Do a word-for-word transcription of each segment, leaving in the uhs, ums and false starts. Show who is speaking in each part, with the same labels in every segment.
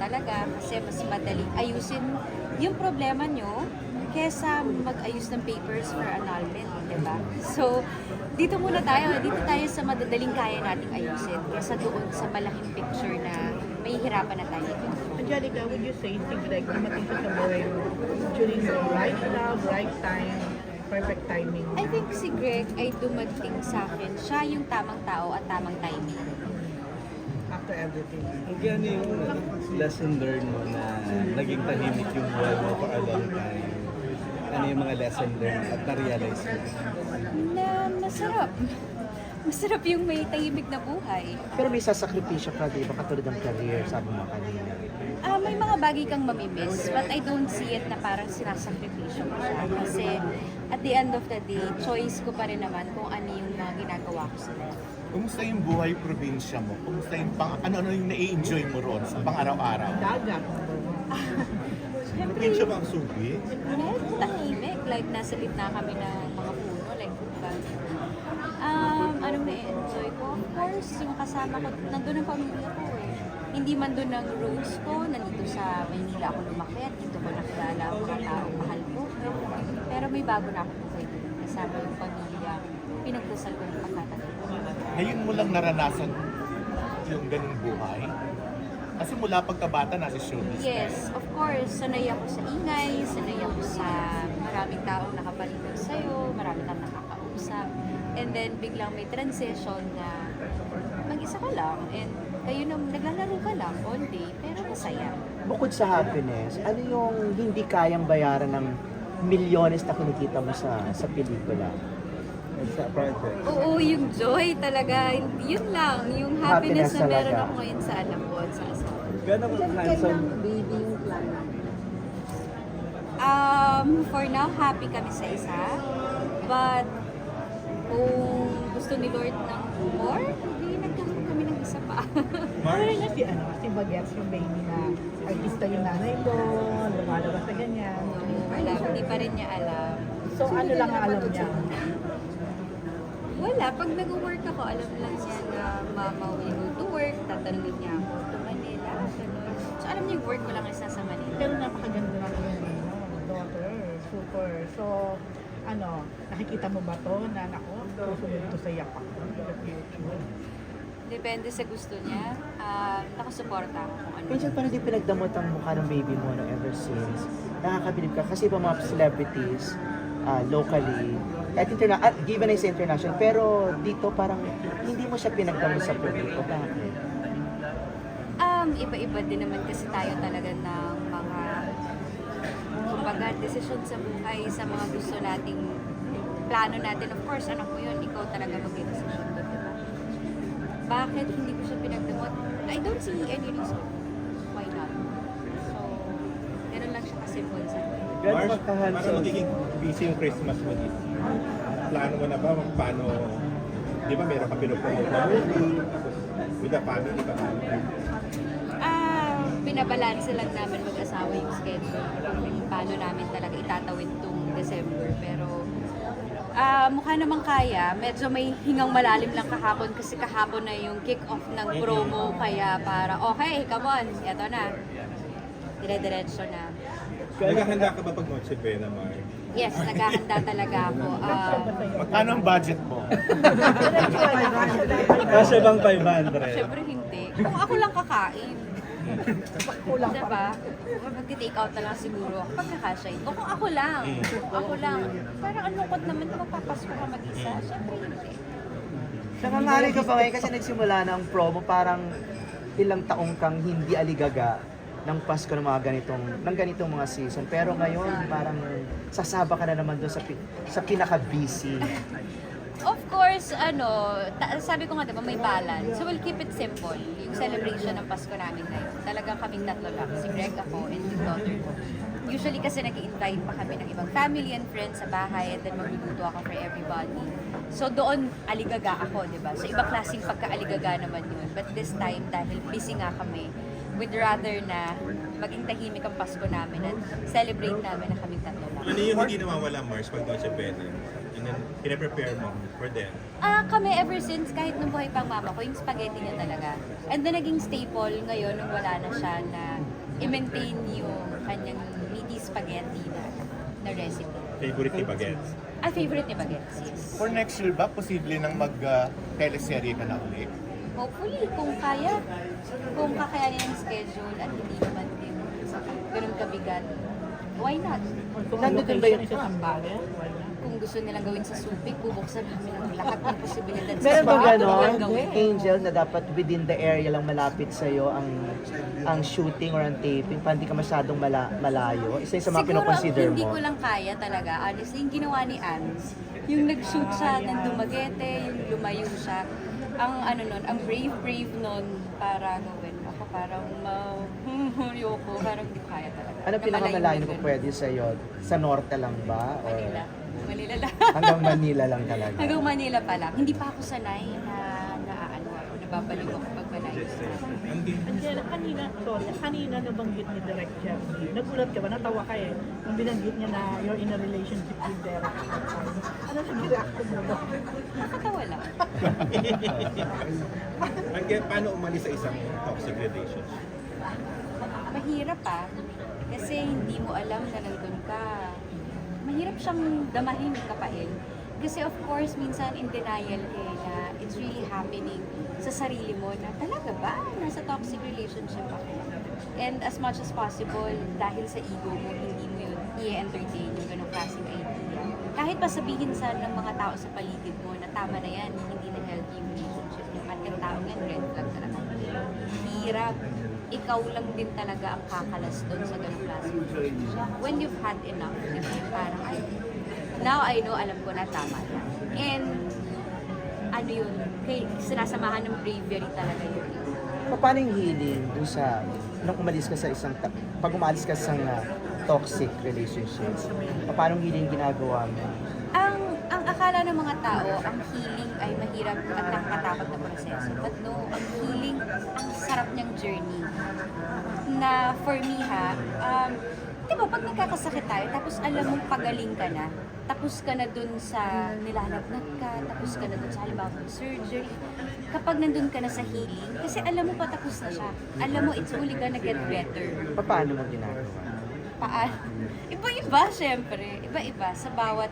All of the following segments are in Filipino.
Speaker 1: talaga kasi mas madaling ayusin yung problema nyo kesa mag-ayos ng papers for annulment, di ba? So, dito muna tayo, dito tayo sa madadaling kaya nating ayusin kesa doon sa malaking picture na may hirapan na tayo.
Speaker 2: Angelica, would you say si Greg dumating siya sa buhay mo during the right love, right time, perfect timing?
Speaker 1: I think si Greg ay dumating sa akin. Siya yung tamang tao at tamang timing.
Speaker 2: After everything.
Speaker 3: Ano yung lesson learned mo na naging tahimik yung buhay mo for a long time? Ano yung mga lesson learned at na-realize mo?
Speaker 1: Na masarap. Masarap yung may tahimik na buhay.
Speaker 4: Pero may sasakripisyo ka, di ba? Katulad ng career, sabi mo kanina.
Speaker 1: Ah, may mga bagay kang mamimiss, but I don't see it na parang sinasakripisyo ko siya. Kasi at the end of the day, choice ko pa rin naman kung ano yung mga ginagawa ko sa life.
Speaker 5: Kumusta yung buhay probinsya mo? Kumusta yung pang, ano-ano yung nai-enjoy mo roon sa pang-araw-araw?
Speaker 2: Dagat.
Speaker 1: Siyempre,
Speaker 5: Probinsya ba ang subi?
Speaker 1: yes, tahimik. Like, nasa gitna kami ng mga puno. Like, diba? Um, anong na-enjoy ko? Of course, yung kasama ko, nandun ang pamilya ko eh. Hindi man doon ang roots ko, nandito sa Maynila ako lumaki at dito ko nakilala ang mga taong mahal ko. Pero may bago na ako buhay doon. Kasama yung pamilya, pinagdasal ko ng pagkatagal.
Speaker 5: Ngayon mo lang naranasan yung ganung buhay? Kasi mula pagkabata nasa showbiz ka.
Speaker 1: Yes, of course. Sanay ako sa ingay, sanay ako sa maraming taong nakapalibot sa'yo, marami kang nakakausap. And then biglang may transition na mag-isa ka lang and kayo na naglalaro ka lang all day, pero masaya.
Speaker 4: Bukod sa happiness, ano yung hindi kayang bayaran ng milyones na kinikita mo sa sa pelikula?
Speaker 3: Sa project?
Speaker 1: Oo, yung joy talaga. Yun lang, yung happiness,
Speaker 4: Happiness
Speaker 1: na meron
Speaker 4: talaga.
Speaker 1: ako ngayon sa anak ko at sa asawa.
Speaker 3: Gano'n ka handsome?
Speaker 2: baby yung plan
Speaker 1: Um, for now, happy kami sa isa. But, kung gusto ni Lord ng more, hindi nagkakaroon kami ng isa pa.
Speaker 2: Pero na si, ano, si Bagets, yung baby na artista yung nanay mo, lumalabas na ganyan.
Speaker 1: No, wala, hindi pa rin niya alam.
Speaker 2: So ano lang ang alam niya?
Speaker 1: Wala, pag nag-work ako, alam lang niya na mama will go to work, tatanungin niya ako to Manila, gano'n. So alam niya yung work ko lang is nasa Manila.
Speaker 2: Pero napakaganda na yung daughter, super. So, ano, nakikita mo ba to na nako, susunod to sa yapak ko in the future?
Speaker 1: Depende sa gusto niya. Um, nakasuporta ako kung ano.
Speaker 4: Minsan parang di pinagdamot ang mukha ng baby mo no, ever since. Nakakabilib ka kasi pa mga celebrities uh, locally, at interna- at given is international, pero dito parang hindi mo siya pinagdamot sa publiko. Bakit?
Speaker 1: Um, iba-iba din naman kasi tayo talaga ng mga kumbaga, desisyon sa buhay, sa mga gusto nating plano natin. Of course, anak mo yun, ikaw talaga mag-desisyon doon, di ba? Bakit hindi ko siya pinagdamot? I don't see any reason why not. So, ganun lang siya kasimple sa akin.
Speaker 3: Gano'n
Speaker 5: Mars,
Speaker 3: ka
Speaker 5: para
Speaker 3: handsome?
Speaker 5: magiging busy yung Christmas mo dito. Plano mo na ba kung paano, di ba meron ka pinupromote na movie, tapos with the family ka ba?
Speaker 1: Ah, binabalanse lang namin mag-asawa yung schedule kung paano namin talaga itatawid tong December. Pero ah, mukha namang kaya. Medyo may hingang malalim lang kahapon kasi kahapon na yung kick-off ng promo. Kaya para, okay, come on, eto na. Dire-diretso na.
Speaker 5: Naghahanda ka ba pag Noche Buena, Mar?
Speaker 1: Yes, naghahanda talaga ako. Ah,
Speaker 5: Magkano ang budget mo?
Speaker 3: Kasi bang five hundred?
Speaker 1: Siyempre hindi. Kung ako lang kakain.
Speaker 2: Kulang pa.
Speaker 1: Diba? Mag-take out na lang siguro ako pag nakasya ito. Kung ako lang, ako lang. Parang ang lungkot naman kung magpapasko ka mag-isa. Siyempre hindi.
Speaker 4: Nakangari ka pa ngayon kasi nagsimula na ang promo, parang ilang taong kang hindi aligaga ng Pasko ng mga ganitong ng ganitong mga season. Pero ngayon parang sasaba ka na naman doon sa pi- sa pinaka-busy.
Speaker 1: Of course, ano, ta- sabi ko nga diba, may balance. So we'll keep it simple. Yung celebration ng Pasko namin ngayon. Talagang kaming tatlo lang. Si Greg, ako, and yung daughter ko. Usually kasi nag-invite pa kami ng ibang family and friends sa bahay and then magluluto ako for everybody. So doon, aligaga ako, di ba? So ibang klaseng pagka-aligaga naman yun. But this time, dahil busy nga kami, we'd rather na maging tahimik ang Pasko namin at celebrate namin na kaming tatlo lang.
Speaker 5: Ano yung hindi nawawala, Mars, pag Noche Buena? and then pinaprepare mo for them?
Speaker 1: Ah, kami ever since, kahit nung buhay pang mama ko, yung spaghetti niya talaga. And then naging staple ngayon nung wala na siya na i-maintain yung kanyang meaty spaghetti na, na recipe.
Speaker 5: Favorite ni Bagets?
Speaker 1: Ah, favorite ni Bagets, yes.
Speaker 6: For next year ba, posible nang mag-teleserye ka na ulit?
Speaker 1: Hopefully, kung kaya, kung kakayanin ang schedule at hindi naman din ganun kabigat, why not?
Speaker 2: Kung
Speaker 4: Nandun
Speaker 2: location
Speaker 4: ba yun?
Speaker 2: is sa Zambales, wala.
Speaker 1: Kung gusto nilang gawin sa Subic, bubuksan namin ang lahat ng posibilidad sa
Speaker 4: Meron ba
Speaker 1: Subic.
Speaker 4: ganon,
Speaker 1: Walang gawin.
Speaker 4: Angel, na dapat within the area lang malapit sa'yo ang ang shooting or ang taping, para hindi ka masyadong mala, malayo? Isa yun sa mga
Speaker 1: Siguro,
Speaker 4: pinoconsider
Speaker 1: hindi
Speaker 4: mo.
Speaker 1: ko lang kaya talaga. Honestly, yung ginawa ni Ans, yung nag-shoot siya ng Dumaguete, yung lumayo siya. Ang ano nun, ang brave-brave nun para gawin. Ako parang ma-yoko, parang hindi ko kaya talaga.
Speaker 4: Ano
Speaker 1: Na
Speaker 4: pinakamalayo
Speaker 1: malayo
Speaker 4: kung
Speaker 1: din.
Speaker 4: pwede sa'yo? Sa norte lang ba? Or
Speaker 1: Manila. Manila lang.
Speaker 4: hanggang Manila lang talaga?
Speaker 1: Hanggang Manila pa lang. Hindi pa ako sanay na, na ano ako, nababaliw ako pag malayo.
Speaker 2: Angela, kanina, sorry, kanina nabanggit ni Direk Jeremy. Nagulat ka ba? Natawa ka eh. Nung binanggit niya na you're in a relationship with Derek. Ano yung reaction mo ba?
Speaker 1: Nakatawa lang.
Speaker 5: Again, paano umalis sa isang toxic relationship?
Speaker 1: Mahirap ah. Kasi hindi mo alam na nandun ka. Mahirap siyang damahin, kapain. Kasi of course, minsan in denial ka eh, na it's really happening sa sarili mo na talaga ba? Nasa toxic relationship ako. And as much as possible, dahil sa ego mo, hindi mo yun i-entertain yung ganong klaseng idea. Kahit pa sabihin sa ng mga tao sa paligid mo na tama na yan, hindi na healthy yung relationship niyo. At yung tao yan, red flag talaga. Hirap. Ikaw lang din talaga ang kakalas doon sa ganong klaseng relationship. When you've had enough, di ba? Parang, ay, now I know, alam ko na tama na. And, ano yun, kay, sinasamahan ng bravery talaga yun.
Speaker 4: Paano yung healing dun sa, nung umalis ka sa isang, ta- pag umalis ka sa uh, toxic relationship, paano yung healing ginagawa mo?
Speaker 1: Ang ang akala ng mga tao, ang healing ay mahirap at nakakatakot na proseso. But no, ang healing, ang sarap niyang journey. Na for me ha, um, di ba pag nagkakasakit tayo, tapos alam mong pagaling ka na, tapos ka na dun sa nilalagnat ka, tapos ka na dun sa halimbawa ng surgery, kapag nandun ka na sa healing, kasi alam mo pa tapos na siya. Alam mo, it's only gonna get better.
Speaker 4: Paano mo ginagawa?
Speaker 1: Paan? Iba-iba, syempre. Iba-iba. Sa bawat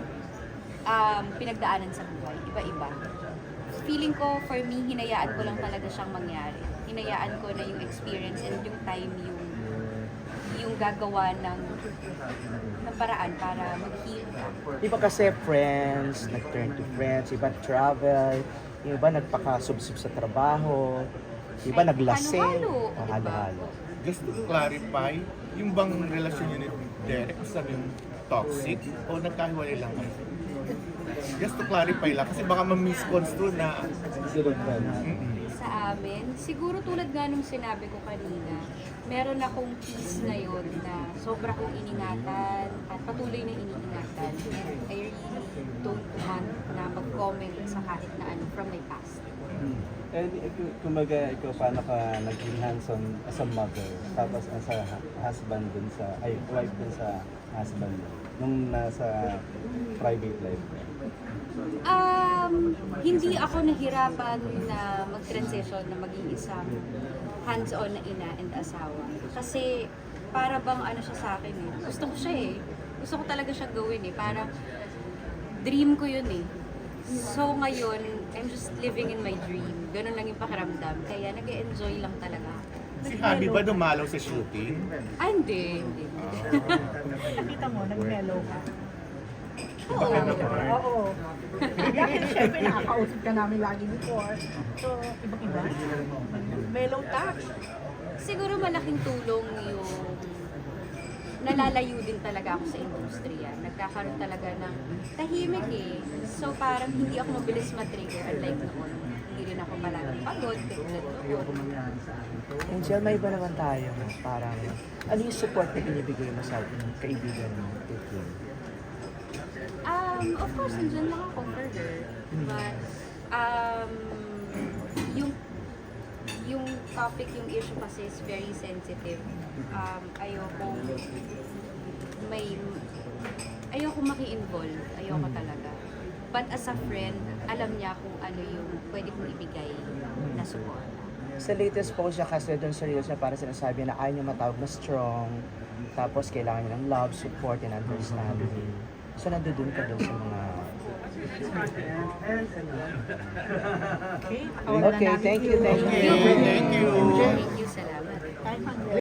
Speaker 1: um, pinagdaanan sa buhay. Iba-iba. Feeling ko, for me, hinayaan ko lang talaga siyang mangyari. Hinayaan ko na yung experience and yung time yung yung gagawa ng, ng paraan para mag-heal ka.
Speaker 4: Iba kasi friends, nag-turn to friends, iba travel, yung iba nagpaka-subsub sa trabaho, iba
Speaker 1: Ay,
Speaker 4: naglasing.
Speaker 1: halo-halo,
Speaker 4: Oh,
Speaker 1: diba?
Speaker 4: halo-halo.
Speaker 6: Just to clarify, yung bang relasyon niyo ni Derek, sabi yung toxic o nagkahiwalay lang kayo? Just to clarify lang, kasi baka ma-misconstrue na
Speaker 3: Zero friends.
Speaker 1: Sa amin, siguro tulad nga nung sinabi ko kanina, meron akong peace ngayon na sobra kong iningatan at patuloy na iniingatan. And I really don't want na mag-comment sa kahit na ano from my past.
Speaker 3: And eh, kung- kumbaga, ikaw paano ka naging hands-on as a mother, tapos as a hu- husband dun sa, ay, wife dun sa husband mo, nung nasa private life mo?
Speaker 1: Um, hindi ako nahirapan na mag-transition na maging isang hands-on na ina and asawa. Kasi para bang ano siya sa akin eh. Gusto ko siya eh. Gusto ko talaga siya gawin eh. Parang dream ko yun eh. So ngayon, I'm just living in my dream. Ganun lang yung pakiramdam. Kaya nag-enjoy lang talaga ako.
Speaker 6: si Abby ba dumalaw sa shooting?
Speaker 1: Ah, hindi, hindi.
Speaker 2: Nakita mo, nag-mellow ka.
Speaker 1: Oo.
Speaker 2: Oo. Dahil syempre nakakausap ka namin lagi before. So, ibang-iba. Mellow touch.
Speaker 1: Siguro malaking tulong yung nalalayo din talaga ako sa industriya. Nagkakaroon talaga ng tahimik eh. So parang hindi ako mabilis matrigger unlike noon. Hindi rin ako palagi pagod.
Speaker 4: Angel, may iba naman tayo. no? Parang, ano yung support na binibigay mo sa kaibigan mo? Titin?
Speaker 1: Um, of course, nandiyan lang ako for her. But, um, yung yung topic, yung issue kasi is very sensitive. Um, ayoko may, ayoko maki-involve, ayoko talaga. But as a friend, alam niya kung ano yung pwede kong ibigay na support.
Speaker 4: Sa latest post niya kasi doon sa reels niya para sinasabi na ayaw niya matawag na strong, tapos kailangan niya ng love, support, and understanding. So nandoon ka doon sa mga...
Speaker 2: Okay,
Speaker 4: Okay, thank you, thank you.
Speaker 6: Okay, thank you.
Speaker 1: Thank you, salamat.
Speaker 2: Kahit